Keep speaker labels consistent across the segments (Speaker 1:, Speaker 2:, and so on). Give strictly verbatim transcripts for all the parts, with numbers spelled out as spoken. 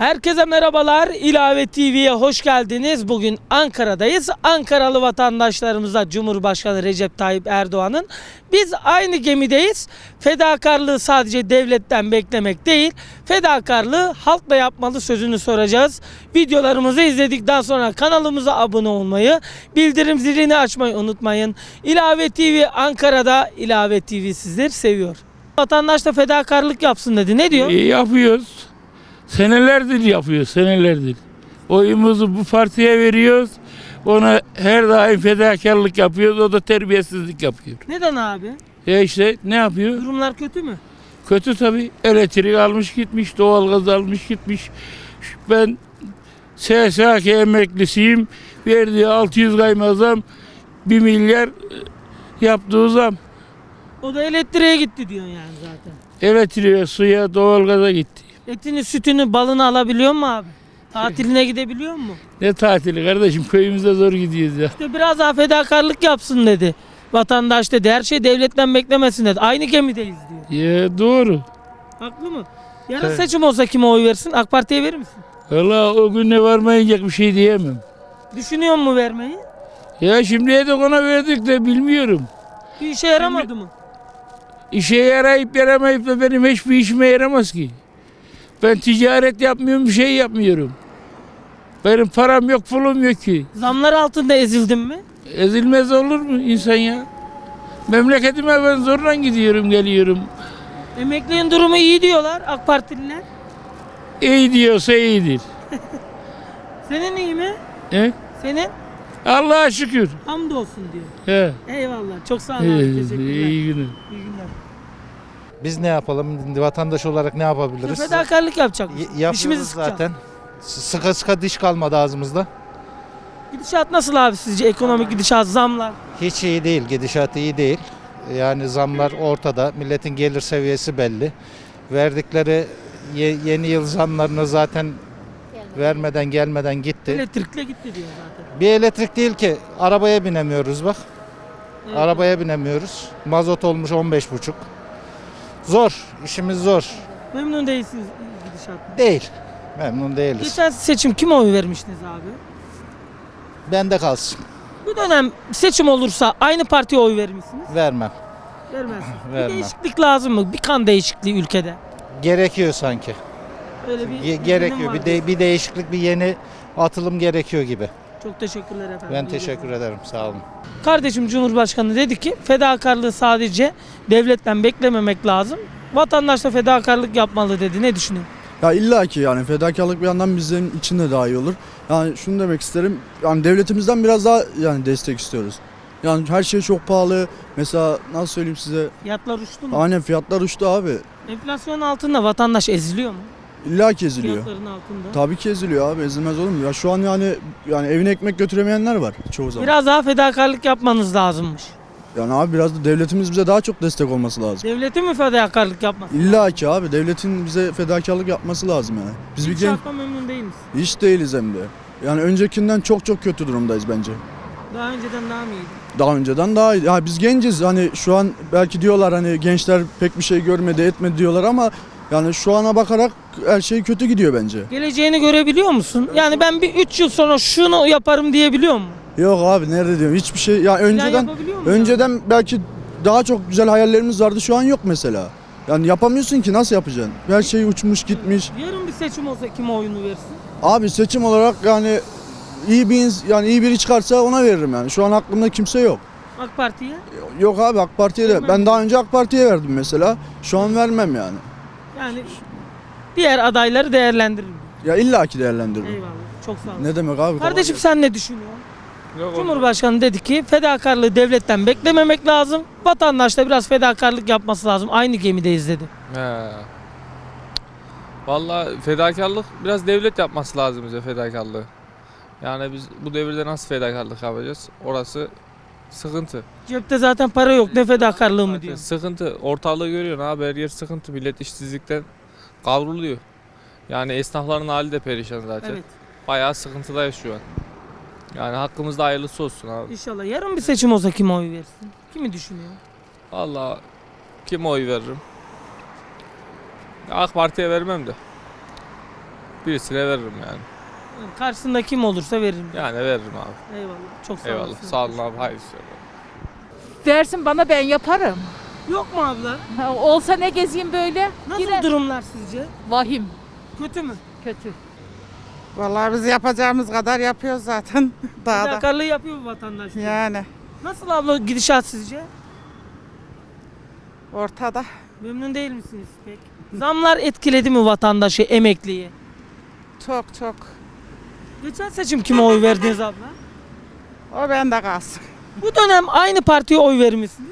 Speaker 1: Herkese merhabalar. İlave T V'ye hoş geldiniz. Bugün Ankara'dayız. Ankaralı vatandaşlarımıza Cumhurbaşkanı Recep Tayyip Erdoğan'ın biz aynı gemideyiz. Fedakarlığı sadece devletten beklemek değil, fedakarlığı halkla yapmalı sözünü soracağız. Videolarımızı izledikten sonra kanalımıza abone olmayı, bildirim zilini açmayı unutmayın. İlave T V Ankara'da, İlave T V sizleri seviyor. Vatandaş da fedakarlık yapsın dedi. Ne diyor?
Speaker 2: İyi yapıyoruz. Senelerdir yapıyoruz, senelerdir. Oyumuzu bu partiye veriyoruz. Ona her daim fedakarlık yapıyoruz. O da terbiyesizlik yapıyor.
Speaker 1: Neden abi?
Speaker 2: Ya işte ne yapıyor?
Speaker 1: Durumlar kötü mü?
Speaker 2: Kötü tabii. Elektrik almış gitmiş, doğalgaz almış gitmiş. Ben S S K emeklisiyim. Verdiği altı yüz kayma zam, bir milyar yaptığı zam.
Speaker 1: O da elektriğe gitti diyor yani zaten.
Speaker 2: Elektriğe, suya, doğalgaza gitti.
Speaker 1: Etini, sütünü, balını alabiliyor mu abi? Tatiline gidebiliyor mu?
Speaker 2: Ne tatili kardeşim, köyümüzde zor gidiyoruz ya.
Speaker 1: İşte biraz daha fedakarlık yapsın dedi. Vatandaş dedi. Her şey devletten beklemesin dedi. Aynı gemideyiz diyor.
Speaker 2: Ya doğru.
Speaker 1: Haklı mı? Yarın
Speaker 2: Evet.
Speaker 1: seçim olsa kime oy versin? AK Parti'ye verir misin?
Speaker 2: Valla o günle varmayacak bir şey diyemem.
Speaker 1: Düşünüyor mu vermeyi?
Speaker 2: Ya şimdiye de ona verdik de bilmiyorum.
Speaker 1: Bir işe yaramadı mı?
Speaker 2: İşe yarayıp yaramayıp da benim hiçbir işime yaramaz ki. Ben ticaret yapmıyorum, bir şey yapmıyorum. Benim param yok, pulum yok ki.
Speaker 1: Zamlar altında ezildin mi?
Speaker 2: Ezilmez olur mu insan ya? Memleketime ben zorla gidiyorum, geliyorum.
Speaker 1: Emekliğin durumu iyi diyorlar AK Partililer.
Speaker 2: İyi diyorsa iyidir.
Speaker 1: Senin iyi mi?
Speaker 2: He?
Speaker 1: Senin?
Speaker 2: Allah'a şükür.
Speaker 1: Hamdolsun diyor.
Speaker 2: He.
Speaker 1: Eyvallah. Çok sağ ol abi.
Speaker 2: İyi,
Speaker 1: Teşekkürler.
Speaker 2: iyi günler.
Speaker 1: İyi günler.
Speaker 3: Biz ne yapalım? Vatandaş olarak ne yapabiliriz?
Speaker 1: Fedakarlık yapacak.
Speaker 3: Y-
Speaker 1: Dişimizi
Speaker 3: yapıyoruz
Speaker 1: sıkacağız.
Speaker 3: zaten. S- Sıka sıka diş kalmadı ağzımızda.
Speaker 1: Gidişat nasıl abi sizce? Ekonomik gidişat, zamlar.
Speaker 3: Hiç iyi değil, gidişat iyi değil. Yani zamlar ortada, milletin gelir seviyesi belli. Verdikleri ye- yeni yıl zamlarını zaten vermeden gelmeden gitti.
Speaker 1: Elektrikle gitti diyor zaten.
Speaker 3: Bir elektrik değil ki, arabaya binemiyoruz bak.
Speaker 1: Evet.
Speaker 3: Arabaya binemiyoruz. Mazot olmuş on beş buçuk. Zor, işimiz zor.
Speaker 1: Memnun değilsiniz gidişattan.
Speaker 3: Değil, memnun değiliz.
Speaker 1: Geçen seçim kime oy vermiştiniz abi?
Speaker 3: Bende kalsın,
Speaker 1: Bu dönem seçim olursa aynı partiye oy verir misiniz?
Speaker 3: vermem.
Speaker 1: Vermezsiniz. Bir
Speaker 3: Vermem.
Speaker 1: değişiklik lazım mı? Bir kan değişikliği ülkede.
Speaker 3: Gerekiyor sanki.
Speaker 1: Öyle bir
Speaker 3: Ge-
Speaker 1: izlenim
Speaker 3: gerekiyor.
Speaker 1: var
Speaker 3: Bir,
Speaker 1: diyor.
Speaker 3: de, bir değişiklik, bir yeni atılım gerekiyor gibi.
Speaker 1: Çok teşekkürler efendim.
Speaker 3: Ben
Speaker 1: İyi
Speaker 3: teşekkür
Speaker 1: günler.
Speaker 3: ederim. Sağ olun.
Speaker 1: Kardeşim Cumhurbaşkanı dedi ki fedakarlığı sadece devletten beklememek lazım. Vatandaş da fedakarlık yapmalı dedi. Ne düşünüyorsun?
Speaker 4: Ya illa ki yani fedakarlık bir yandan bizim için de daha iyi olur. Yani şunu demek isterim. Yani devletimizden biraz daha yani destek istiyoruz. Yani her şey çok pahalı. Mesela nasıl söyleyeyim size?
Speaker 1: Fiyatlar uçtu mu?
Speaker 4: Aynen fiyatlar uçtu abi.
Speaker 1: Enflasyon altında vatandaş eziliyor mu?
Speaker 4: İlla ki eziliyor.
Speaker 1: Fiyatların altında.
Speaker 4: Tabii ki eziliyor abi. Ezilmez olur mu? Ya şu an yani yani evine ekmek götüremeyenler var çoğu zaman.
Speaker 1: Biraz daha fedakarlık yapmanız lazımmış.
Speaker 4: Yani abi biraz da devletimiz bize daha çok destek olması lazım.
Speaker 1: Devletin mi fedakarlık yapması?
Speaker 4: İlla ki abi devletin bize fedakarlık yapması lazım yani. Biz bir genç
Speaker 1: Gidişattan memnun değil misin?
Speaker 4: hiç değiliz hem de. Yani öncekinden çok çok kötü durumdayız bence.
Speaker 1: Daha önceden daha mı iyiydi?
Speaker 4: Daha önceden daha iyi. Ya biz genciz hani şu an belki diyorlar hani gençler pek bir şey görmedi etmedi diyorlar ama yani şu ana bakarak her şey kötü gidiyor bence.
Speaker 1: Geleceğini görebiliyor musun? Yani ben bir üç yıl sonra şunu yaparım diyebiliyor musun?
Speaker 4: Yok abi nerede diyorum hiçbir şey ya önceden
Speaker 1: yapabiliyor musun
Speaker 4: önceden belki daha çok güzel hayallerimiz vardı şu an yok mesela. Yani yapamıyorsun ki nasıl yapacaksın? Her şey uçmuş gitmiş.
Speaker 1: Yarın bir seçim olsa kime oyunu versin?
Speaker 4: Abi seçim olarak yani iyi bir ins- yani iyi biri çıkarsa ona veririm yani. Şu an aklımda kimse yok.
Speaker 1: AK Parti'ye?
Speaker 4: Yok abi AK Parti'ye de.
Speaker 1: Vermem
Speaker 4: Ben
Speaker 1: mi?
Speaker 4: daha önce AK Parti'ye verdim mesela. Şu an vermem yani.
Speaker 1: Yani diğer adayları değerlendiririm.
Speaker 4: Ya illaki değerlendiririm.
Speaker 1: Eyvallah. Çok sağ olun.
Speaker 4: Ne demek abi?
Speaker 1: Kardeşim sen ne düşünüyorsun?
Speaker 2: Yok,
Speaker 1: Cumhurbaşkanı dedi ki fedakarlığı devletten beklememek lazım. Vatandaş da biraz fedakarlık yapması lazım. Aynı gemideyiz dedi.
Speaker 5: He. Vallahi fedakarlık biraz devlet yapması lazım bize fedakarlığı. Yani biz bu devirde nasıl fedakarlık yapacağız? Orası sıkıntı.
Speaker 1: Cepte zaten para yok. Ne fedakarlığı mı
Speaker 5: Zaten
Speaker 1: diyor.
Speaker 5: sıkıntı. Ortalığı görüyorsun abi, her yer sıkıntı. Millet işsizlikten kavruluyor. Yani esnafların hali de perişan zaten.
Speaker 1: Evet.
Speaker 5: Bayağı sıkıntıdayız şu an. Yani hakkımızda hayırlısı olsun abi.
Speaker 1: İnşallah yarın bir seçim olsa kime oy versin? Kimi düşünüyor?
Speaker 5: Vallahi kime oy veririm? AK Parti'ye vermem de. Birisine veririm yani.
Speaker 1: Karşısında kim olursa veririm.
Speaker 5: Yani veririm abi.
Speaker 1: Eyvallah. Çok sağ
Speaker 5: Eyvallah.
Speaker 1: olasın.
Speaker 5: Sağ olun abi. Hayırlı işler.
Speaker 6: Versin bana, ben yaparım.
Speaker 1: Yok mu abla?
Speaker 6: Ha, olsa ne gezeyim böyle?
Speaker 1: Nasıl
Speaker 6: Gider.
Speaker 1: durumlar sizce?
Speaker 6: Vahim.
Speaker 1: Kötü mü?
Speaker 6: Kötü.
Speaker 7: Vallahi biz yapacağımız kadar yapıyoruz zaten. Daha da.
Speaker 1: Fedakarlığı yapıyor mu vatandaş?
Speaker 7: Yani
Speaker 1: Nasıl abla gidişat sizce?
Speaker 7: ortada.
Speaker 1: Memnun değil misiniz pek? Zamlar etkiledi mi vatandaşı, emekliyi?
Speaker 7: Çok çok.
Speaker 1: Geçen seçim kime oy verdiniz abla?
Speaker 7: O bende kalsın.
Speaker 1: Bu dönem aynı partiye oy vermişsiniz.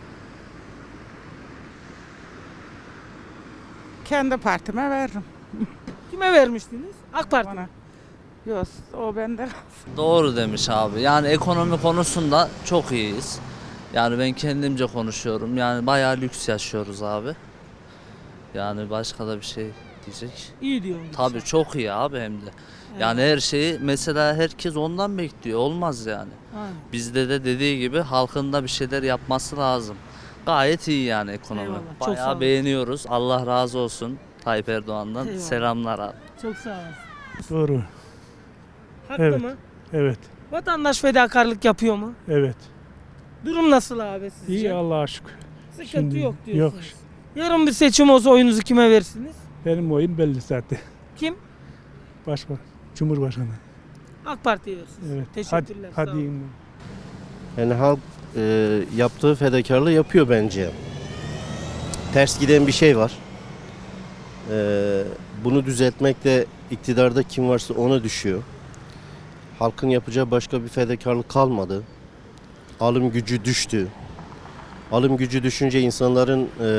Speaker 7: Kendi partime veririm.
Speaker 1: Kime vermiştiniz? AK Parti.
Speaker 7: Bana. Yok, o bende kalsın.
Speaker 8: Doğru demiş abi. Yani ekonomi konusunda çok iyiyiz. Yani ben kendimce konuşuyorum. Yani bayağı lüks yaşıyoruz abi. Yani başka da bir şey diyecek.
Speaker 1: İyi diyorum.
Speaker 8: Tabii çok iyi abi hem de. Yani her şeyi mesela herkes ondan bekliyor. Olmaz yani.
Speaker 1: Aynen.
Speaker 8: Bizde de dediği gibi halkın da bir şeyler yapması lazım. Gayet iyi yani ekonomi.
Speaker 1: Eyvallah, çok sağ
Speaker 8: Bayağı
Speaker 1: olun.
Speaker 8: beğeniyoruz. Allah razı olsun Tayyip Erdoğan'dan.
Speaker 1: Eyvallah.
Speaker 8: Selamlar abi.
Speaker 1: Çok sağ olasın.
Speaker 9: Doğru.
Speaker 1: Haklı
Speaker 9: Evet.
Speaker 1: mı?
Speaker 9: Evet.
Speaker 1: Vatandaş fedakarlık yapıyor mu?
Speaker 9: Evet.
Speaker 1: Durum nasıl abi sizce?
Speaker 9: İyi Allah'a şükür.
Speaker 1: Sıkıntı
Speaker 9: Şimdi-
Speaker 1: yok
Speaker 9: yok.
Speaker 1: diyorsunuz. Yarın bir seçim olsa oyunuzu kime verirsiniz?
Speaker 9: Benim oyum belli zaten.
Speaker 1: Kim?
Speaker 9: Başbakan. Cumhurbaşkanı.
Speaker 1: AK Parti'ye verirsiniz.
Speaker 9: Evet.
Speaker 1: Teşekkürler.
Speaker 9: Hadi,
Speaker 1: sağ
Speaker 9: hadi
Speaker 1: olun.
Speaker 9: iyi.
Speaker 10: Yani halk e, yaptığı fedakarlığı yapıyor bence. Ters giden bir şey var. E, bunu düzeltmek de iktidarda kim varsa ona düşüyor. Halkın yapacağı başka bir fedakarlık kalmadı. Alım gücü düştü. Alım gücü düşünce insanların e,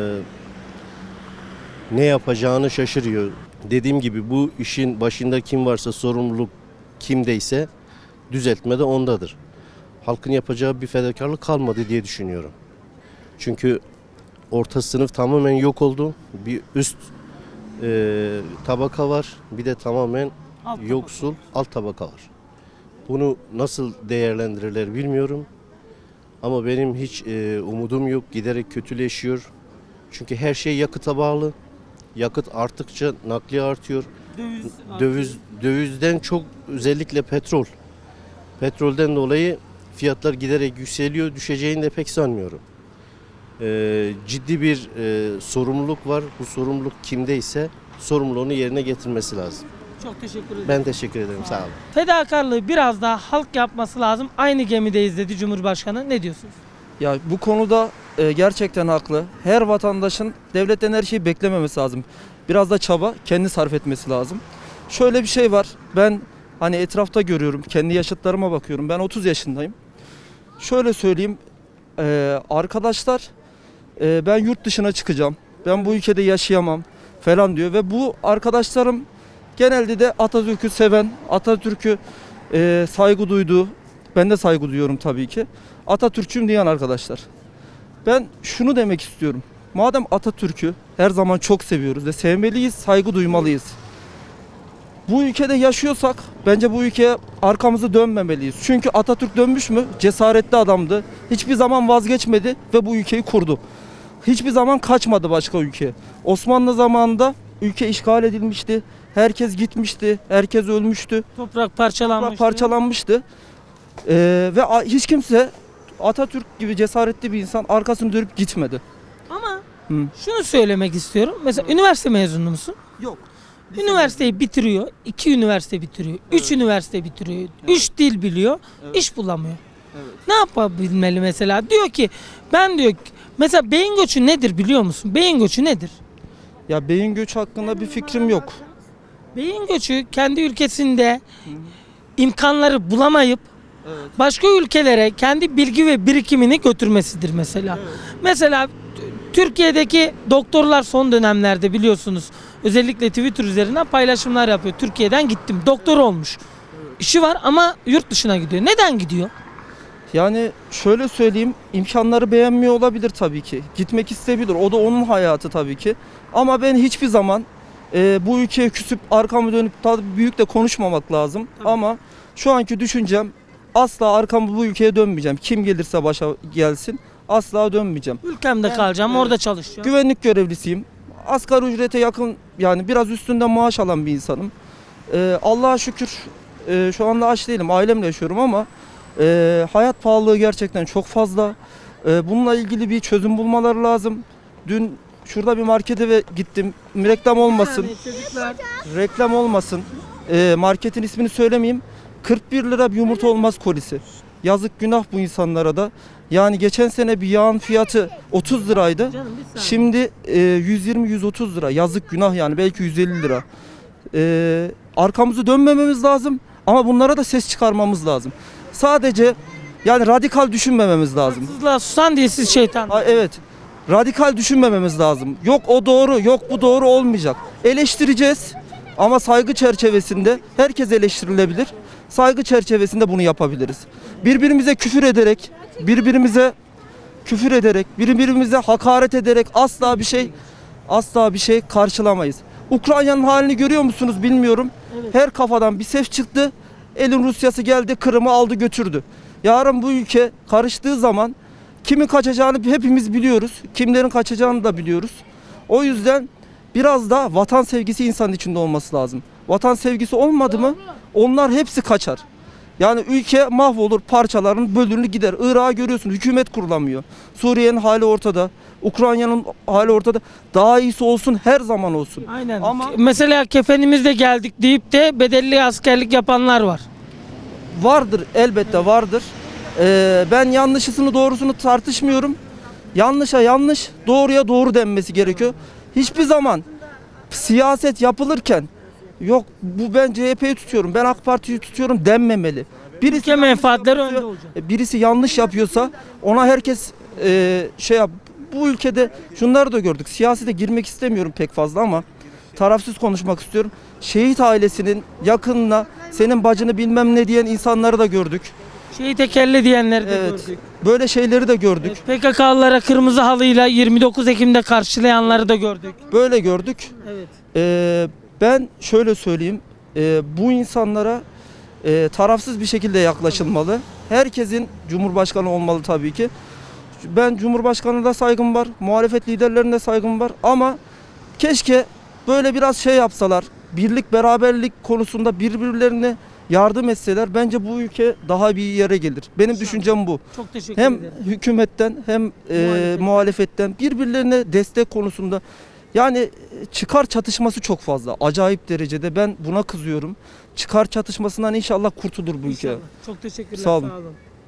Speaker 10: ne yapacağını şaşırıyor. Dediğim gibi bu işin başında kim varsa, sorumluluk kimdeyse düzeltme de ondadır. Halkın yapacağı bir fedakarlık kalmadı diye düşünüyorum. Çünkü orta sınıf tamamen yok oldu. Bir üst e, tabaka var, bir de tamamen
Speaker 1: Alt tabaka.
Speaker 10: yoksul alt tabaka var. Bunu nasıl değerlendirirler bilmiyorum. Ama benim hiç e, umudum yok. Giderek kötüleşiyor. Çünkü her şey yakıta bağlı. Yakıt arttıkça nakliye artıyor.
Speaker 1: Döviz,
Speaker 10: Döviz dövizden çok özellikle petrol. Petrolden dolayı fiyatlar giderek yükseliyor. Düşeceğini de pek sanmıyorum. Ee, ciddi bir e, sorumluluk var. Bu sorumluluk kimdeyse sorumluluğunu yerine getirmesi lazım.
Speaker 1: Çok teşekkür ederim.
Speaker 10: Ben teşekkür ederim. Sağ olun.
Speaker 1: Fedakarlığı biraz daha halk yapması lazım. Aynı gemideyiz dedi Cumhurbaşkanı. Ne diyorsunuz?
Speaker 11: Ya bu konuda e, gerçekten haklı. Her vatandaşın devletten her şeyi beklememesi lazım. Biraz da çaba kendi sarf etmesi lazım. Şöyle bir şey var. Ben hani etrafta görüyorum. Kendi yaşıtlarıma bakıyorum. Ben otuz yaşındayım. Şöyle söyleyeyim. e, arkadaşlar e, ben yurt dışına çıkacağım. Ben bu ülkede yaşayamam falan diyor. Ve bu arkadaşlarım genelde de Atatürk'ü seven, Atatürk'ü e, saygı duyduğu, ben de saygı duyuyorum tabii ki. Atatürkçüyüm diyen arkadaşlar. Ben şunu demek istiyorum. Madem Atatürk'ü her zaman çok seviyoruz ve sevmeliyiz, saygı duymalıyız. Bu ülkede yaşıyorsak bence bu ülkeye arkamızı dönmemeliyiz. Çünkü Atatürk dönmüş mü? Cesaretli adamdı. Hiçbir zaman vazgeçmedi ve bu ülkeyi kurdu. Hiçbir zaman kaçmadı başka ülkeye. Osmanlı zamanında ülke işgal edilmişti. Herkes gitmişti. Herkes ölmüştü.
Speaker 1: Toprak parçalanmış.
Speaker 11: Parçalanmıştı. Ee, ve a- hiç kimse Atatürk gibi cesaretli bir insan arkasını dönüp gitmedi.
Speaker 1: Ama
Speaker 11: Hı.
Speaker 1: şunu söylemek istiyorum. Mesela üniversite mezunu musun?
Speaker 11: Yok.
Speaker 1: Üniversiteyi bitiriyor. iki üniversite bitiriyor. Üç üniversite bitiriyor. Üç dil biliyor. iş bulamıyor. Ne yapabilmeli mesela? Diyor ki ben diyor mesela beyin göçü nedir biliyor musun? Beyin göçü nedir?
Speaker 11: Ya beyin göçü hakkında bir fikrim yok.
Speaker 1: Beyin göçü kendi ülkesinde imkanları bulamayıp başka ülkelere kendi bilgi ve birikimini götürmesidir mesela. Mesela t- Türkiye'deki doktorlar son dönemlerde biliyorsunuz özellikle Twitter üzerinden paylaşımlar yapıyor. Türkiye'den gittim, doktor olmuş. İşi var ama yurt dışına gidiyor. Neden gidiyor?
Speaker 11: Yani şöyle söyleyeyim, imkanları beğenmiyor olabilir tabii ki. Gitmek isteyebilir. O da onun hayatı tabii ki. Ama ben hiçbir zaman e, bu ülkeye küsüp arkamı dönüp tabii büyük de konuşmamak lazım.
Speaker 1: Tabii.
Speaker 11: Ama şu anki düşüncem asla arkamı bu ülkeye dönmeyeceğim. Kim gelirse başa gelsin asla dönmeyeceğim.
Speaker 1: Ülkemde
Speaker 11: Ben,
Speaker 1: kalacağım,
Speaker 11: evet,
Speaker 1: orada çalışacağım.
Speaker 11: Güvenlik görevlisiyim. asgari ücrete yakın, yani biraz üstünden maaş alan bir insanım. Ee, Allah'a şükür e, şu anda aç değilim, ailemle yaşıyorum ama e, hayat pahalılığı gerçekten çok fazla. E, bununla ilgili bir çözüm bulmaları lazım. Dün şurada bir markete ve gittim, reklam olmasın,
Speaker 1: Yani çocuklar
Speaker 11: reklam olmasın, e, marketin ismini söylemeyeyim, kırk bir lira bir yumurta olmaz kolisi. Yazık, günah bu insanlara da. Yani geçen sene bir yağın fiyatı otuz liraydı.
Speaker 1: canım bir saniye.
Speaker 11: Şimdi e, yüz yirmi yüz otuz lira. Yazık, günah, yani belki yüz elli lira. E, arkamızı dönmememiz lazım ama bunlara da ses çıkarmamız lazım. Sadece yani radikal düşünmememiz lazım.
Speaker 1: Haksızlığa susan diye siz şeytan.
Speaker 11: Ha, evet. Radikal düşünmememiz lazım. Yok o doğru, yok bu doğru olmayacak. Eleştireceğiz ama saygı çerçevesinde. Herkes eleştirilebilir. Saygı çerçevesinde bunu yapabiliriz. Birbirimize küfür ederek, birbirimize küfür ederek, birbirimize hakaret ederek asla bir şey asla bir şey karşılamayız. Ukrayna'nın halini görüyor musunuz bilmiyorum. Her kafadan bir ses çıktı. Elin Rusyası geldi, Kırım'ı aldı götürdü. Yarın bu ülke karıştığı zaman kimin kaçacağını hepimiz biliyoruz. Kimlerin kaçacağını da biliyoruz. O yüzden biraz da vatan sevgisi insanın içinde olması lazım. Vatan sevgisi olmadı mı onlar hepsi kaçar. Yani ülke mahvolur, parçaların bölünür gider. Irak'ı görüyorsun, hükümet kurulamıyor. Suriye'nin hali ortada. Ukrayna'nın hali ortada. Daha iyisi olsun, her zaman olsun.
Speaker 1: Aynen.
Speaker 11: Ama-
Speaker 1: Mesela kefenimizde geldik deyip de bedelli askerlik yapanlar var.
Speaker 11: Vardır, elbette vardır. Ee, ben yanlışısını doğrusunu tartışmıyorum. Yanlışa yanlış, doğruya doğru denmesi gerekiyor. Hiçbir zaman siyaset yapılırken yok bu ben C H P'yi tutuyorum, ben AK Parti'yi tutuyorum denmemeli. Birisi
Speaker 1: Ülke
Speaker 11: yanlış
Speaker 1: menfaatleri
Speaker 11: yapıyorsa-
Speaker 1: önde olacak.
Speaker 11: Birisi yanlış yapıyorsa ona herkes e, şey yap. Bu ülkede şunları da gördük. Siyasete girmek istemiyorum pek fazla ama tarafsız konuşmak istiyorum. Şehit ailesinin yakınına senin bacını bilmem ne diyen insanları da gördük.
Speaker 1: Şeyi tekerle diyenleri de
Speaker 11: Evet.
Speaker 1: gördük.
Speaker 11: Böyle şeyleri de gördük.
Speaker 1: P K K'lılara kırmızı halıyla yirmi dokuz Ekim'de karşılayanları da gördük.
Speaker 11: Böyle gördük.
Speaker 1: Evet.
Speaker 11: Ee, ben şöyle söyleyeyim. Ee, bu insanlara e, tarafsız bir şekilde yaklaşılmalı. Herkesin Cumhurbaşkanı olmalı tabii ki. Ben Cumhurbaşkanı'na da saygım var. Muhalefet liderlerine de saygım var. Ama keşke böyle biraz şey yapsalar. Birlik, beraberlik konusunda birbirlerine yardım etseler bence bu ülke daha bir yere gelir. Benim düşüncem bu.
Speaker 1: Çok teşekkür
Speaker 11: Hem
Speaker 1: ederim.
Speaker 11: hükümetten hem e,
Speaker 1: Muhalefetten.
Speaker 11: muhalefetten birbirlerine destek konusunda yani e, çıkar çatışması çok fazla. Acayip derecede ben buna kızıyorum. Çıkar çatışmasından inşallah kurtulur bu ülke.
Speaker 1: İnşallah. Çok teşekkürler.
Speaker 11: Sağ olun.
Speaker 1: Sağ olun.